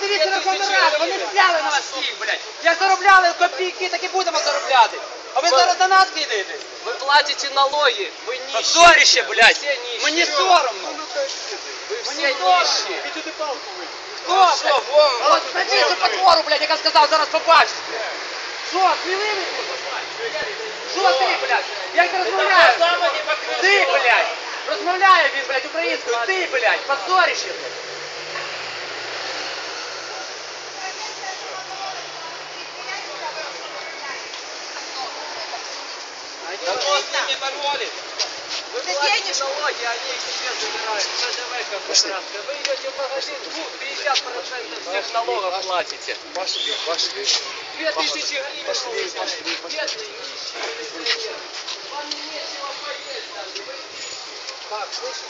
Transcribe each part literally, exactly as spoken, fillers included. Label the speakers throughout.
Speaker 1: подивіться на гонорари, вони взяли на вас всіх, блядь. Як заробляли копійки, так і будемо заробляти. А ви зараз на нас кидаєте?
Speaker 2: Вы платите налоги, вы нищие.
Speaker 1: Позорище, блядь.
Speaker 2: Все нищие.
Speaker 1: Мені соромно.
Speaker 2: Вы все
Speaker 1: Мені соромно.
Speaker 2: нищие.
Speaker 1: Хто, блядь? От знайди цю потвору, блядь, яка сказав, зараз побачиш, блядь. Що, сміливий? Що ти, блядь? Як ти розмовляєш? Ти, блядь. Розмовляє він, блядь, українською. Ти, блядь, позорище, блядь. Да кто с ними боролись?
Speaker 2: Вы платите налоги, они их себе забирают. ПДВ контрактка. Вы идете в магазин, ну, пятьдесят процентов всех налогов платите.
Speaker 3: Пошли, пошли.
Speaker 2: Две тысячи гривен
Speaker 3: Пошли,
Speaker 2: получаете.
Speaker 3: пошли, пошли.
Speaker 2: Бедные, нищие, пенсионеры. Вам нечего поесть даже. Вы
Speaker 3: Так, слышишь?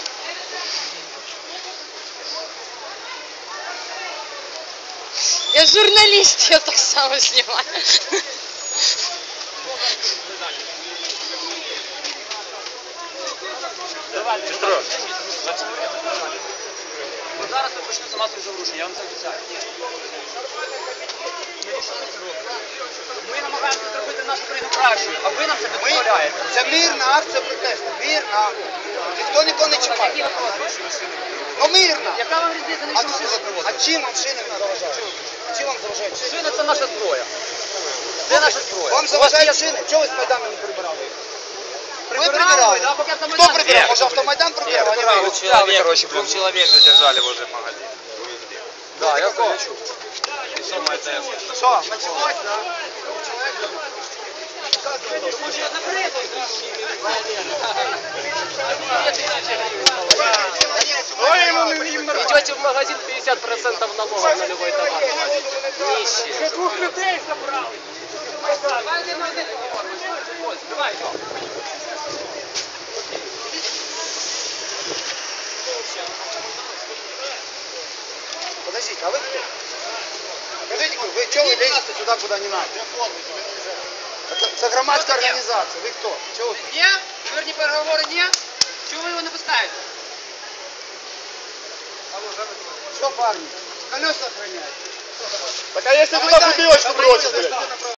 Speaker 4: Я журналіст, я так само знімаю.
Speaker 1: Петро. От зараз ви почнете масові заворушення, я вам це обіцяю. Ми намагаємося зробити нашу країну кращою, а ви нам це не дозволяєте.
Speaker 3: Це мирна акція протесту, мирна. Ніхто нікого не чіпає. Ну мирна.
Speaker 1: Яка вам різниця на
Speaker 3: А,
Speaker 1: що машину
Speaker 3: а
Speaker 1: привозите?
Speaker 3: чим вам шини не заважають? Чим вам заважають шини?
Speaker 1: Шина – це наша зброя. Це наша зброя.
Speaker 3: Вам
Speaker 1: У вас
Speaker 3: заважають
Speaker 1: є
Speaker 3: шини? Чого ви з Майдану не прибирали їх? Ви
Speaker 1: Прибирали,
Speaker 3: прибирали.
Speaker 1: да, поки
Speaker 3: Хто
Speaker 1: автомайдан
Speaker 3: прибирав?
Speaker 1: стояв.
Speaker 3: Може автомайдан прибирав, а не ви?
Speaker 5: Двух человек, короче, двух человек задержали возле магазина.
Speaker 3: Да, я знаю.
Speaker 5: И самое это.
Speaker 3: Що, почалось, да?
Speaker 2: идете в магазин, пятьдесят процентов налогов на любой товар. Нищие.
Speaker 3: Подождите, а вы кто? Скажите, вы что вы лезете сюда, куда не надо? Это, это громадская организация. Вы кто? Чего вы?
Speaker 1: Ні? Мирні переговори ні? Чого ви його не пускаєте?
Speaker 3: Что, парни? Колеса охраняют.
Speaker 5: Так а если
Speaker 3: туда бутылочку бросить,
Speaker 5: блядь?